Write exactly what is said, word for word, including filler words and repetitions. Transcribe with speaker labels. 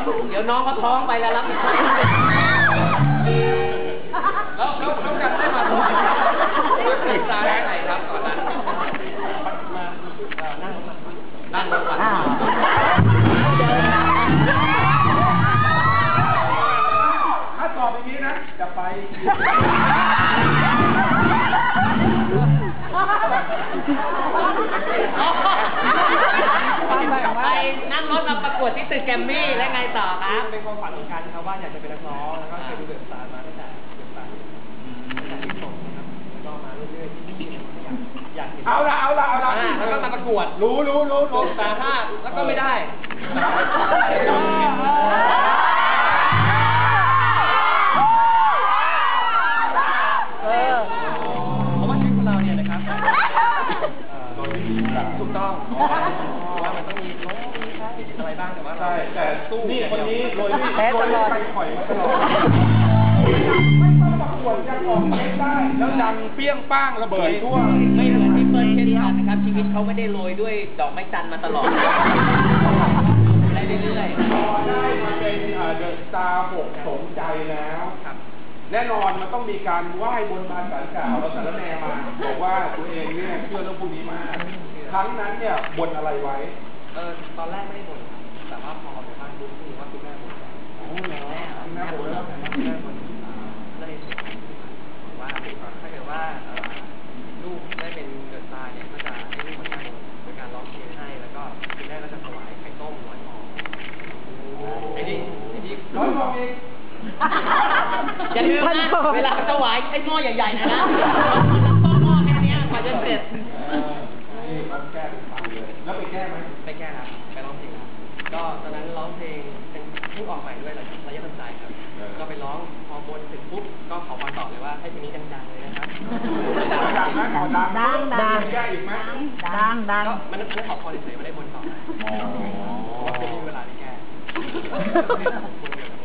Speaker 1: เดี๋ยวน้องเขาท้องไปแล้วรับผิดชอบแล้วแล้วแล้วกันได้มาติดตาได้ไหนครับตอนนั้นมานั่งนั่งรถมา
Speaker 2: ถ้าตอบอย่างนี้นะจะไป
Speaker 1: ไปนั่งรถมาประกวดที่ตึกแกรมมี่และไงต่อครับ
Speaker 3: เป็นความฝันเหมือนกันครับว่าอยากจะเป็นนักร้องแล้วก็เคยดูเดอะสตาร์มาตั้งแต่เดอะสตาร์ตั้งแต่ที่ส่งนะครับแล้วก็มาเรื่อยๆที่อยากอยากเห็น
Speaker 2: เอาละเอาละเอาละ
Speaker 1: แล้วก็มาประกวด
Speaker 2: รู้รู้รู้รู้
Speaker 1: ตาห้าแล้วก็ไม่ได้
Speaker 3: เพราะว่าชีวิตของเราเนี่ยนะครับถูกต้องว่ามันต้องมีโน้ตมีค่ามีอะไรบ้างแต่ว่าเรา
Speaker 2: แต่
Speaker 3: สู้
Speaker 2: นี่คนนี้โดยที่
Speaker 4: แพ้ตลอด
Speaker 2: ไปข่อยมาตลอดไม่ต้องประกวดยังออกเองได้แล้วดังเปี้ยงป้างระเบิดทั่ว
Speaker 1: ไม่เหมือนพี่เปิ้ลเช่นกันนะครับชีวิตเขาไม่ได้โรยด้วยดอกไม้จันทร์มาตลอดได้เรื่อย
Speaker 2: ๆพอได้มาเป็นเดอะสตาร์หกสมใจแล้วแน่นอนมันต้องมีการไหว้บนบานศาลกล่าวแล้วสารแนมาบอกว่าตัวเองเนี่ยเชื่อเรื่องพวกนี้มาครั้งนั้นเนี่ยบนอะไรไว้
Speaker 3: เออตอนแรกไม่ได้บ่นแต่ว่าพอออกจากบ้านรู้สึกว่าคุณแม่บ่น
Speaker 2: โอ้เหรอคุณแม่บ่นแล้ว
Speaker 3: คุณแม่บ่นเลยบอกว่าถ้าเกิดว่าลูกได้เป็นเดอะสตาร์เนี่ยก็จะให้ลูกมาแก้บนโดยการร้องเพลงให้แล้วก็คุณแม่ก็จะถวายไข่ต้มร้อยฟองไอ้นี่ไอ้นี่
Speaker 2: ร้อยฟองเอง
Speaker 1: อย่าลืมนะเวลาถวายไอ้หม้อใหญ่ๆนะนะต้องหม้อแค่นี้กว่าจะเสร็จ
Speaker 2: นี่มันแก้เป็นพันเลยแล้วไปแก้ไหม
Speaker 3: ไปแก้ครับไปร้องเพลงครับก็ตอนนั้นร้องเพลงเป็นเพิ่งออกใหม่ด้วยระยะทันใจครับก็ไปร้องพอบนถึงปุ๊บก็ขอมาตอบเลยว่าให้เพลงนี้ดังๆเลยนะครับ
Speaker 2: ดังนะขอดัง
Speaker 4: ดังดัง
Speaker 2: แก้อีกไหม
Speaker 4: ดังดัง
Speaker 3: ก็มันมันขอพอเฉยๆไม่ได้บนต่อเพราะว่าเพลงนี้เวลาที่แก้